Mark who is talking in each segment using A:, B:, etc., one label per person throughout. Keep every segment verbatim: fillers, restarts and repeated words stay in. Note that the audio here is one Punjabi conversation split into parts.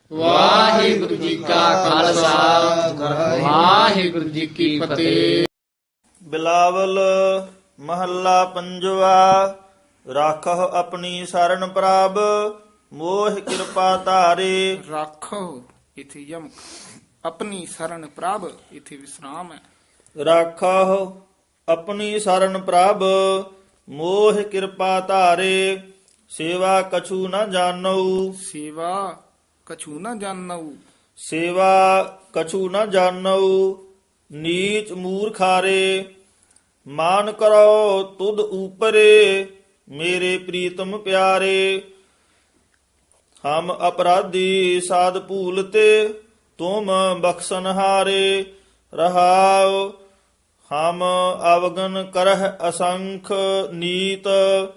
A: ਵਾਹਿਗੁਰੂ ਜੀ ਕਾ ਖਾਲਸਾ ਵਾਹਿਗੁਰੂ ਜੀ ਕੀ ਫਤਿਹ।
B: ਬਿਲਾਵਲ ਮਹੱਲਾ ਪੰਜਵਾ। ਰਾਖਹ ਆਪਣੀ ਸਰਣ ਪ੍ਰਭ ਮੋਹ ਕਿਰਪਾ ਧਾਰੇ।
C: ਰਾਖੋ ਇਥੇ ਯਮਕ, ਆਪਣੀ ਸਰਣ ਪ੍ਰਭ ਇਥੇ ਵਿਸਰਾਮ ਹੈ।
B: ਰਾਖਹ ਆਪਣੀ ਸਰਣ ਪ੍ਰਭ ਮੋਹ ਕਿਰਪਾ ਧਾਰੇ। ਸੇਵਾ ਕਛੂ ਨ ਜਾਣਉ
C: ਸੇਵਾ ਕਛੂ ਨਾ ਜਾਣਉ,
B: ਸੇਵਾ ਕਛੂ ਨ ਜਾਣਉ ਨੀਚ ਮੂਰਖਾਰੇ। ਮਾਨ ਕਰੋ ਤੁਧ ਊਪਰੇ ਮੇਰੇ ਪ੍ਰੀਤਮ ਪਿਆਰੇ। ਹਮ ਅਪਰਾਧੀ ਸਾਧ ਭੂਲਤੇ ਤੁਮ ਬਖਸ਼ਨਹਾਰੇ। ਰਹਾਉ ਹਮ ਅਵਗਨ ਕਰਹਿ ਅਸੰਖ ਨੀਤ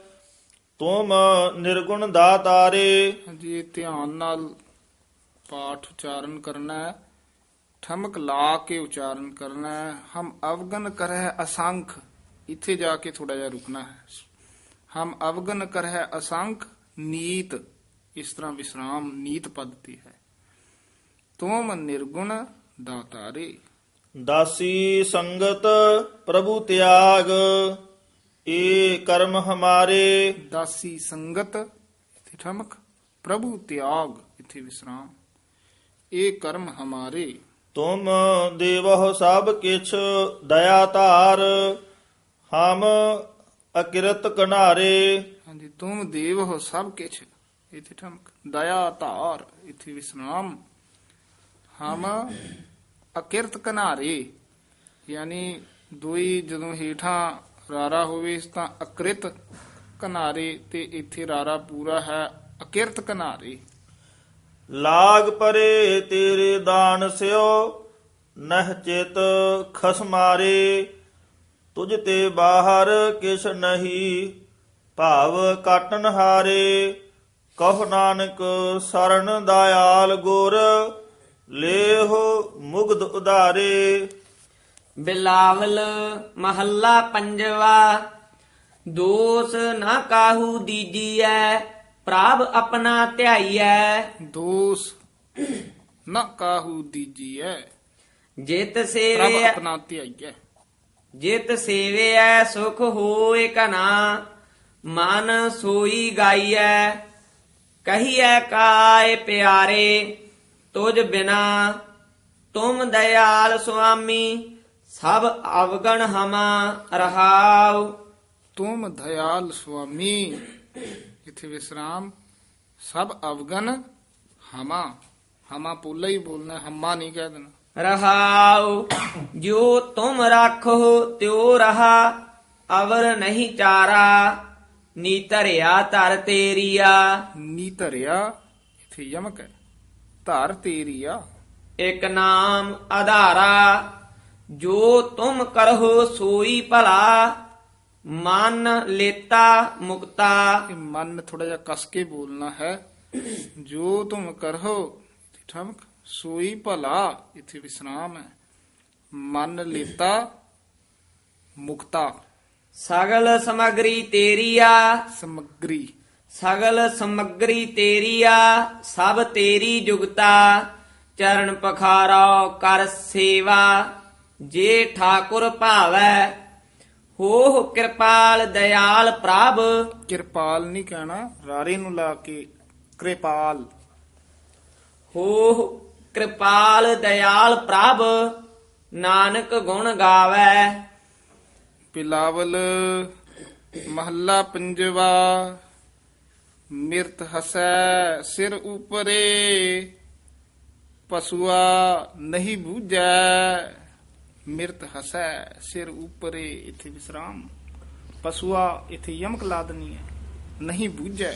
B: ਤੁਮ ਨਿਰਗੁਣ ਦਾਤਾਰੇ।
C: ਹਾਂਜੀ ਇਹ ਧਿਆਨ ਨਾਲ ਪਾਠ ਉਚਾਰਨ ਕਰਨਾ ਹੈ, ਠਮਕ ਲਾ ਕੇ ਉਚਾਰਨ ਕਰਨਾ ਹੈ। ਹਮ ਅਵਗਨ ਕਰਹਿ ਅਸੰਖ, ਇੱਥੇ ਜਾ ਕੇ ਥੋੜਾ ਜਿਹਾ ਰੁਕਣਾ ਹੈ। ਹਮ ਅਵਗਨ ਕਰਹਿ ਅਸੰਖ ਨੀਤ, ਇਸ ਤਰ੍ਹਾਂ ਵਿਸਰਾਮ ਨੀਤ ਪਦ ਤੇ ਹੈ। ਤੁਮ ਨਿਰਗੁਣ ਦਾਤਾਰੇ।
B: ਦਾਸੀ ਸੰਗਤ ਪ੍ਰਭੂ ਤਿਆਗ ਏ ਕਰਮ ਹਮਾਰੇ।
C: ਦਾਸੀ ਸੰਗਤ ਇੱਥੇ ਠਮਕ, ਪ੍ਰਭੂ ਤਿਆਗ ਇੱਥੇ ਵਿਸਰਾਮ, ਇਹ ਕਰਮ ਹਮਾਰੇ।
B: ਤੁਮ ਦੇਵਹੁ ਸਭ ਕਿਛ ਦਇਆ ਧਾਰ ਹਮ ਅਕਿਰਤ ਕਨਾਰੇ।
C: ਹਾਂਜੀ ਤੁਮ ਦੇਵ ਹੋ ਸਭ ਕਿਛ, ਇੱਥੇ ਠਮਕ, ਦਇਆ ਧਾਰ ਇੱਥੇ ਵਿਸਰਾਮ, ਹਮ ਅਕਿਰਤ ਕਨਾਰੇ। ਯਾਨੀ ਦੋਈ ਜਦੋਂ ਹੇਠਾਂ ਰਾਰਾ ਹੋਵੇ ਤਾਂ ਅਕਿਰਤ ਕਨਾਰੇ, ਤੇ ਇੱਥੇ ਰਾਰਾ ਪੂਰਾ ਹੈ ਅਕਿਰਤ ਕਨਾਰੇ।
B: ਲਾਗ ਪਰੇ ਤੇਰੇ ਦਾਨ ਸਿਓ ਨਹ ਚਿਤ ਖਸਮਾਰੇ। ਤੁਝ ਤੇ ਬਾਹਰ ਕਿਛ ਨਹੀਂ ਭਾਵ ਕਾਟਨ ਹਾਰੇ। ਕਹੁ ਨਾਨਕ ਸਰਣ ਦਇਆਲ ਗੁਰ ਲੇਹੁ ਮੁਗਧ ਉਧਾਰੇ।
D: ਬਿਲਾਵਲ ਮਹੱਲਾ ਪੰਜਵਾ। ਦੋਸ ਨਾ ਕਾਹੂ ਦੀਜੀਐ ਪ੍ਰਭ ਆਪਣਾ ਧਿਆਈਐ।
C: ਦੋਸ ਨਾ ਕਾਹੂ ਦੀਜੀਐ
D: ਜਿਤ
C: ਪ੍ਰਭ
D: ਸੇਵੇ
C: ਆਪਣਾ ਧਿਆਈਐ।
D: ਜਿਤ ਸੇਵਿਐ ਸੁਖ ਹੋਏ ਕਨਾ ਮਨ ਸੋਈ ਗਾਈਐ। ਕਹੀਐ ਕਾਇ ਪਿਆਰੇ ਤੁਝ ਬਿਨਾ ਤੁਮ ਦਇਆਲ ਸੁਆਮੀ ਸਭ ਅਵਗਣ ਹਮਾ ਰਹਾਉ।
C: ਤੁਮ ਦਇਆਲ ਸੁਆਮੀ ਇਥੇ ਵਿਸਰਾਮ, ਸਭ ਅਵਗਨ ਹਮਾ, ਹਮਾ ਪੋਲਾ ਹੀ ਬੋਲਣਾ, ਹਮਾ ਨਹੀਂ ਕਹਿ ਦੇਣਾ।
D: ਰਹਾਉ ਜੋ ਤੁਮ ਰਾਖੋ ਤਿਉ ਰਹਾ ਅਵਰ ਨਹੀਂ ਚਾਰਾ। ਨੀ ਧਰਿਆ ਧਰ ਤੇਰੀਆ
C: ਨੀ ਧਰਿਆ ਇਥੇ ਯਮਕ ਹੈ, ਧਰ ਤੇਰੀਆ।
D: ਇਕ ਨਾਮ ਆਧਾਰਾ ਜੋ ਤੁਮ ਕਰਹੁ ਸੋਈ ਭਲਾ। ਮਨ ਲੇਤਾ ਮੁਕਤਾ।
C: ਇਹ ਮਨ ਥੋੜਾ ਜਿਹਾ ਕਸ ਕੇ ਬੋਲਣਾ ਹੈ। ਜੋ ਤੁਮ ਕਰੋ ਇਥੇ ਠਮਕ, ਸੋਈ ਭਲਾ ਇਥੇ ਵਿਸਰਾਮ ਹੈ। ਮਨ ਲੇਤਾ ਮੁਕਤਾ।
D: ਸਗਲ ਸਮਗਰੀ ਤੇਰੀਆ
C: ਸਮਗਰੀ
D: ਸਗਲ ਸਮਗਰੀ ਤੇਰੀਆ ਸਭ ਤੇਰੀ ਜੁਗਤਾ। ਚਰਨ ਪਖਾਰੋ ਕਰ ਸੇਵਾ ਜੇ ਠਾਕੁਰ ਭਾਵੈ। ਹੋ ਕਿਰਪਾਲ ਦਇਆਲ ਪ੍ਰਭ।
C: ਕਿਰਪਾਲ ਨਹੀਂ ਕਹਿਣਾ, ਰਾਰੇ ਨੂੰ ਲਾ ਕੇ ਕਿਰਪਾਲ।
D: ਹੋ ਕਿਰਪਾਲ ਦਇਆਲ ਪ੍ਰਭ ਨਾਨਕ ਗੁਣ ਗਾਵੈ।
C: ਬਿਲਾਵਲ ਮਹੱਲਾ ਪੰਜਵਾ। ਮਿਰਤ ਹਸੈ ਸਿਰ ਉਪਰੇ ਪਸੂਆ ਨਹੀਂ ਬੂਝੈ। ਮਿਰਤ ਹਸੈ ਸਿਰ ਉਪਰੇ ਇਥੇ ਵਿਸਰਾਮ, ਪਸੂਆ ਇਥੇ ਯਮਕ ਲਾ ਦੇਣੀ ਹੈ, ਨਹੀਂ ਬੂਝੈ।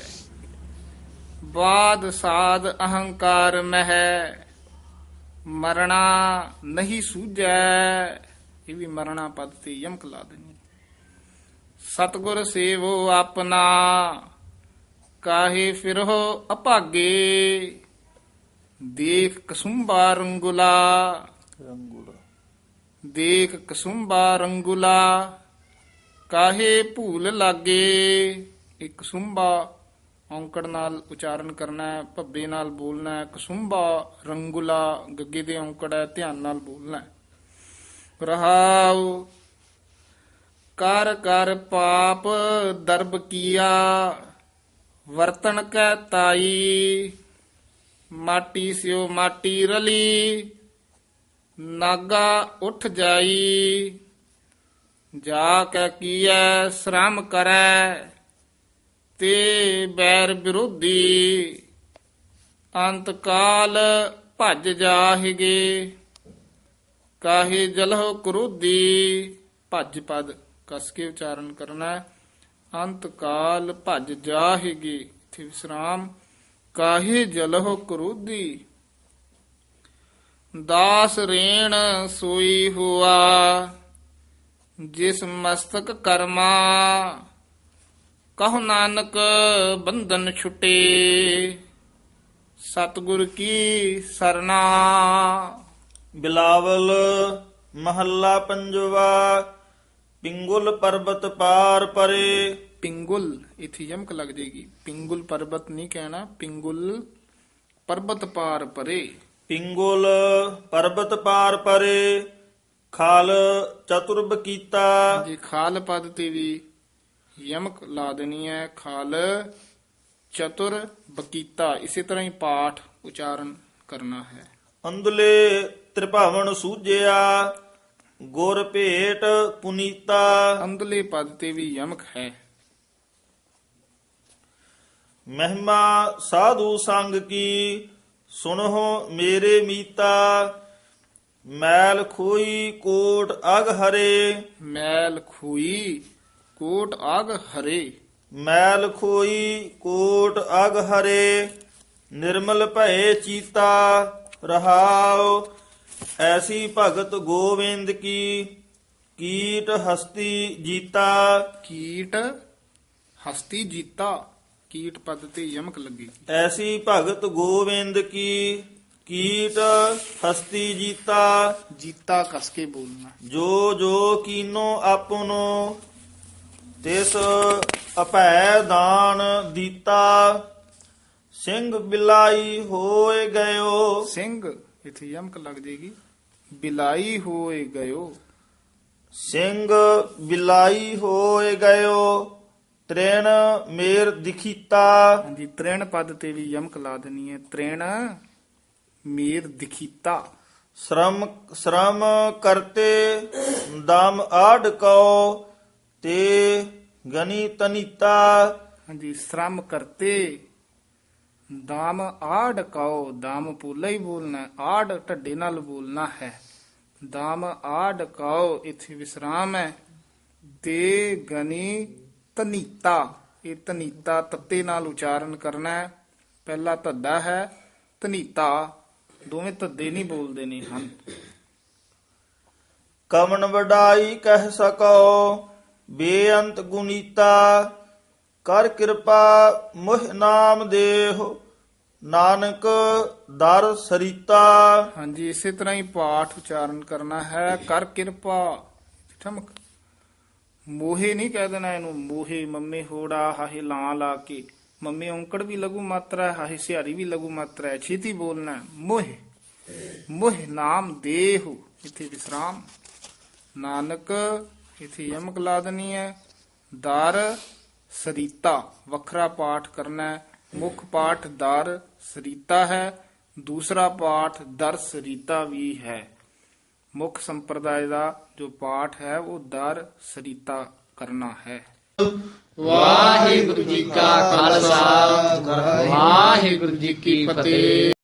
C: ਬਾਦ ਸਾਧ ਅਹੰਕਾਰ ਮਹਿ ਮਰਣਾ ਨਹੀਂ ਸੂਝੈ। ਇਹ ਵੀ ਮਰਣਾ ਪਦ ਤੇ ਯਮਕ ਲਾ ਦੇਣੀ। ਸਤਿਗੁਰ ਸੇਵੋ ਆਪਣਾ ਕਾਹੇ ਫਿਰੋ ਅਭਾਗੇ। ਦੇਖ ਕਸੁੰਬਾ ਰੰਗੁਲਾ
B: ਰੰਗੂਲਾ
C: ਦੇਖ ਕਸੁੰਬਾ ਰੰਗੁਲਾ ਕਾਹੇ ਭੂਲ ਲਾਗੇ। ਇੱਕ ਸੁੰਬਾ ਔਂਕੜ ਨਾਲ ਉਚਾਰਨ ਕਰਨਾ ਹੈ, ਭੱਬੇ ਨਾਲ ਬੋਲਣਾ ਹੈ। ਕਸੁੰਭਾ ਰੰਗੁਲਾ ਗੱਗੇ ਦੇ ਔਂਕੜ ਹੈ, ਧਿਆਨ ਨਾਲ ਬੋਲਣਾ ਹੈ। ਰਹਾਉ ਕਰ ਕਰ ਪਾਪ ਦਰਬ ਕੀਆ ਵਰਤਨ ਕੈ ਤਾਈ ਮਾਟੀ ਸਿਓ ਮਾਟੀ ਰਲੀ ਨਾਗਾ ਉੱਠ ਜਾਈ ਜਾ ਕੈ ਕੀਐ ਸ਼ਰਮ ਕਰੈ ਤੇ ਬੈਰ ਵਿਰੋਧੀ ਅੰਤ ਕਾਲ ਭੱਜ ਜਾਹਿਗੇ ਕਾਹੇ ਜਲਹੁ ਕਰੋਧੀ ਭੱਜ ਪਦ ਕਸ ਕੇ ਉਚਾਰਨ ਕਰਨਾ ਹੈ। ਅੰਤ ਕਾਲ ਭੱਜ ਜਾਹਿਗੇ ਇਥੇ ਵਿਸਰਾਮ ਕਾਹੇ ਜਲਹੁ ਕਰੋਧੀ ਦਾਸ ਰੇਣ ਸੋਈ ਹੁਆ ਜਿਸ ਮਸਤਕ ਕਰਮਾ ਕਹੁ ਨਾਨਕ ਬੰਧਨ ਛੁਟੇ ਸਤਿਗੁਰ ਕੀ ਸਰਨਾ।
B: ਬਿਲਾਵਲ ਮਹੱਲਾ ਪੰਜਵਾ। ਪਿੰਗੁਲ ਪਰਬਤ ਪਾਰ ਪਰੇ।
C: ਪਿੰਗੁਲ ਇਥੇ ਯਮਕ ਲੱਗ ਜਾਏਗੀ, ਪਿੰਗੁਲ ਪਰਬਤ ਨਹੀਂ ਕਹਿਣਾ, ਪਿੰਗੁਲ ਪਰਬਤ ਪਾਰ ਪਰੇ।
B: ਪਿੰਗੁਲ ਪਰਬਤ ਪਾਰ ਪਰੇ ਖਾਲ ਚਤੁਰਬ ਕੀਤਾ।
C: ਜੀ ਖਾਲ ਪਦ ਤੇ ਵੀ ਯਮਕ ਲਾ ਦੇਣੀ ਹੈ। ਖਾਲ ਚਤੁਰ ਬਕੀਤਾ ਇਸੇ ਤਰ੍ਹਾਂ ਹੀ ਪਾਠ ਉਚਾਰਨ ਕਰਨਾ ਹੈ।
B: ਅੰਦਲੇ ਤ੍ਰਿਭਾਵਨ ਸੂਝਿਆ ਗੁਰ ਭੇਟ ਪੁਨੀਤਾ।
C: ਅੰਦਲੇ ਪਦ ਤੇ ਵੀ ਯਮਕ ਹੈ।
B: ਮਹਿਮਾ ਸਾਧੂ ਸੰਗ ਕੀ ਸੁਨਹੁ ਮੇਰੇ ਮੀਤਾ ਮੈਲ ਖੋਈ ਕੋਟ ਅਗ ਹਰੇ।
C: ਮੈਲ ਖੋਈ ਕੋਟ ਆਗ ਹਰੇ।
B: ਮੈਲ ਖੋਈ ਕੋਟ ਅਗ ਹਰੇ ਨਿਰਮਲ ਭਏ ਚੀਤਾ। ਰਹਾਉ ਐਸੀ ਭਗਤ ਗੋਵਿੰਦ ਕੀ ਕੀਟ ਹਸਤੀ ਜੀਤਾ।
C: ਕੀਟ ਹਸਤੀ ਜੀਤਾ ਕੀਟ ਪਦ ਤੇ ਯਮਕ ਲੱਗੀ।
B: ਐਸੀ ਭਗਤ ਗੋਵਿੰਦ ਕੀ ਕੀਟ ਹਸਤੀ ਜੀਤਾ।
C: ਜੀਤਾ ਕਸ ਕੇ ਬੋਲਣਾ।
B: ਜੋ ਜੋ ਕੀਨੋ ਆਪਨੋ ਤਿਸ ਅਭੈ ਦਾਨ ਦੀਤਾ। ਸਿੰਘ ਬਿਲਾਈ ਹੋਏ ਗਇਓ।
C: ਸਿੰਘ ਇਥੇ ਯਮਕ ਲੱਗ ਜਾਏਗੀ। ਬਿਲਾਈ ਹੋਏ ਗਇਓ।
B: ਸਿੰਘ ਬਿਲਾਈ ਹੋਏ ਗਇਓ ਤ੍ਰੇਣ ਮੇਰ ਦਿਖੀਤਾ।
C: ਹਾਂਜੀ ਤ੍ਰੇਣ ਪਦ ਤੇ ਵੀ ਯਮਕ ਲਾ ਦੇਣੀ ਹੈ। ਤ੍ਰੇਣ ਮੇਰ ਦਿਖੀਤਾ।
B: ਸ਼ਰਮ ਸ਼ਰਮ ਕਰਤੇ ਦਮ ਆੜ ਕਉ ਤੇ ਗਨੀ ਤਨੀਤਾ।
C: ਹਾਂਜੀ ਸ਼ਰਮ ਕਰਤੇ ਦਾਮ ਆੜ ਕਉ ਦਾਮ ਪੂਲਾ ਹੀ ਬੋਲਣਾ ਹੈ, ਆੜ ਢੱਡੇ ਨਾਲ ਬੋਲਣਾ ਹੈ। ਦਾਮ ਆੜ ਕਉ ਇਥੇ ਵਿਸਰਾਮ ਹੈ। ਤੇ ਗਨੀ ਤਨੀਤਾ ਇਹ ਤਨੀਤਾ ਤੱਤੇ ਨਾਲ ਉਚਾਰਨ ਕਰਨਾ ਹੈ। ਪਹਿਲਾ ਧੱਦਾ ਹੈ ਤਨੀਤਾ ਦੋਵੇਂ ਧੱਦੇ ਨਹੀਂ ਬੋਲਦੇ ਨੇ ਹਨ।
B: ਕਵਨ ਵਡਾਈ ਕਹਿ ਸਕੋ ਬੇਅੰਤ ਗੁਨੀਤਾ। ਕਰ ਕਿਰਪਾ ਮੁਹ ਨਾਮ ਦੇਹੁ ਨਾਨਕ ਦਰ ਸਰੀਤਾ।
C: ਹਾਂਜੀ ਇਸੇ ਤਰ੍ਹਾਂ ਹੀ ਪਾਠ ਉਚਾਰਨ ਕਰਨਾ ਹੈ। ਕਰ ਕਿਰਪਾ ਠਮਕ ਮੋਹੇ ਨਹੀਂ ਕਹਿ ਦੇਣਾ ਇਹਨੂੰ ਮੋਹੇ ਮੰਮੇ ਹੋੜਾ ਹਾਹੇ ਲਾਂ ਲਾ ਕੇ। ਮੰਮੇ ਔਂਕੜ ਵੀ ਲਘੂ ਮਾਤਰਾ ਹੈ, ਹਾਹੇ ਸਿਹਾਰੀ ਵੀ ਲਘੂ ਮਾਤਰਾ ਹੈ। ਛੇਤੀ ਬੋਲਣਾ ਮੋਹੇ ਮੋਹ ਨਾਮ ਦੇਹੁ ਇਥੇ ਵਿਸਰਾਮ। ਨਾਨਕ ਇਥੇ ਯਮਕ ਲਾ ਦੇਣੀ ਹੈ। ਦਰ ਸਰੀਤਾ ਵੱਖਰਾ ਪਾਠ ਕਰਨਾ ਹੈ। ਮੁੱਖ ਪਾਠ ਦਰ ਸਰੀਤਾ ਹੈ, ਦੂਸਰਾ ਪਾਠ ਦਰ ਸਰੀਤਾ ਵੀ ਹੈ। ਮੁੱਖ ਸੰਪਰਦਾਇ ਦਾ ਜੋ ਪਾਠ ਹੈ ਉਹ ਦਰ ਸਰੀਤਾ ਕਰਨਾ ਹੈ।
A: ਵਾਹਿਗੁਰੂ ਜੀ ਕਾ ਖਾਲਸਾ ਵਾਹਿਗੁਰੂ ਜੀ ਕੀ ਫਤਿਹ।